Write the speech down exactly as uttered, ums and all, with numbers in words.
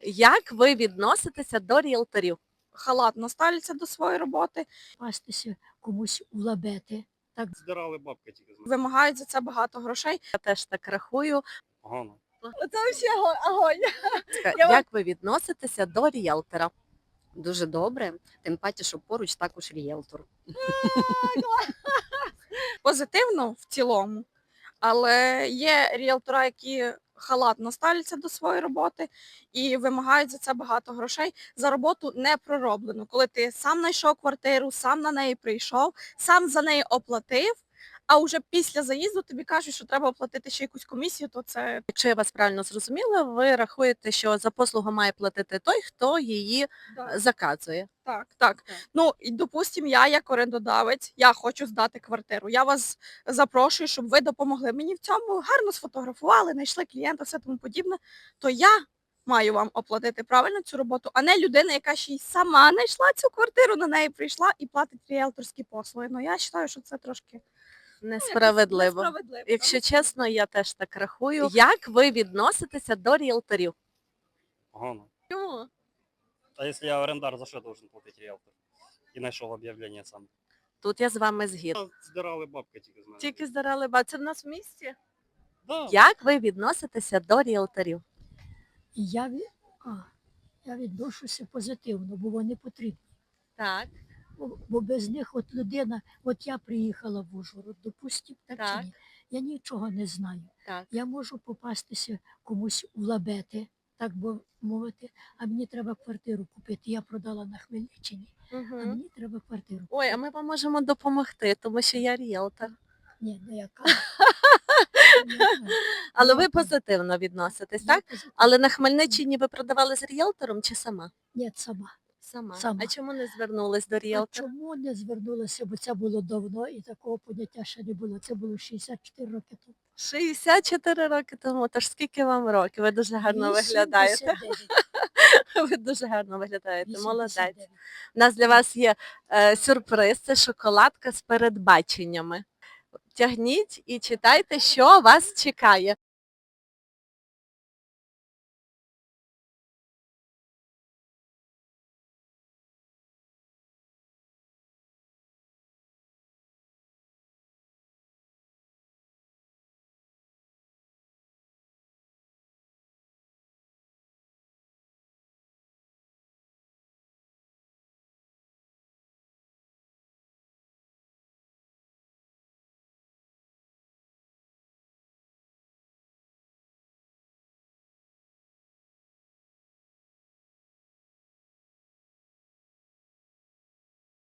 Як ви відноситеся до ріелторів? Халатно ставляться до своєї роботи, Пастися комусь у лабети. Так Здирали бабки тільки з мене. вимагають за це багато грошей. Я теж так рахую. Погано. Це взагалі огонь. Як ви відноситеся до ріелтора? Дуже добре, тим паче, що поруч також ріелтор. Позитивно в цілому, але є ріелтора, які халатно ставляться до своєї роботи і вимагають за це багато грошей за роботу не пророблену. Коли ти сам знайшов квартиру, сам на неї прийшов, сам за неї оплатив, а вже після заїзду тобі кажуть, що треба оплатити ще якусь комісію, то це Якщо я вас правильно зрозуміла, ви рахуєте, що за послугу має платити той, хто її да. заказує. Так, так. Так. Ну, і, допустим, я як орендодавець, я хочу здати квартиру. Я вас запрошую, щоб ви допомогли мені в цьому, гарно сфотографували, знайшли клієнта, все тому подібне, то я маю вам оплатити правильно цю роботу, а не людина, яка ще й сама знайшла цю квартиру, на неї прийшла і платить ріелторські послуги. Ну, я вважаю, що це трошки Несправедливо. несправедливо. Якщо чесно, я теж так рахую. Як ви відноситеся до ріелторів? Погано. Чому? А якщо я орендар, за що должен платити ріелтор? І знайшов об'явлення сам. Тут я з вами згідна. Здирали бабки тільки з мене. Тільки здарали ба. Це в нас в місті? Да. Як ви відноситеся до ріелторів? і я, ві- а, я відношуся позитивно, бо вони потрібні. Так. Бо, бо без них от людина, от я приїхала в Ужгород, допустим, так, Так. чи ні? Я нічого не знаю. Так. Я можу попастися комусь у лабети, так би мовити, а мені треба квартиру купити. Я продала на Хмельниччині, а Угу. мені треба квартиру. Ой, а ми вам можемо допомогти, тому що я ріелтор. Ні, не яка. Але ви позитивно відноситесь, так? Але на Хмельниччині ви продавали з ріелтором чи сама? Ні, сама. Сама. Сама. А чому не звернулись до А ріелтора? чому не звернулася, бо це було давно і такого поняття ще не було. Це було шістдесят чотири роки тому. шістдесят чотири роки тому. Тож скільки вам років? Ви дуже гарно виглядаєте. вісімдесят дев'ять. Ви дуже гарно виглядаєте. Молодець. вісімдесят дев'ять. У нас для вас є е, сюрприз, це шоколадка з передбаченнями. Тягніть і читайте, що вас чекає.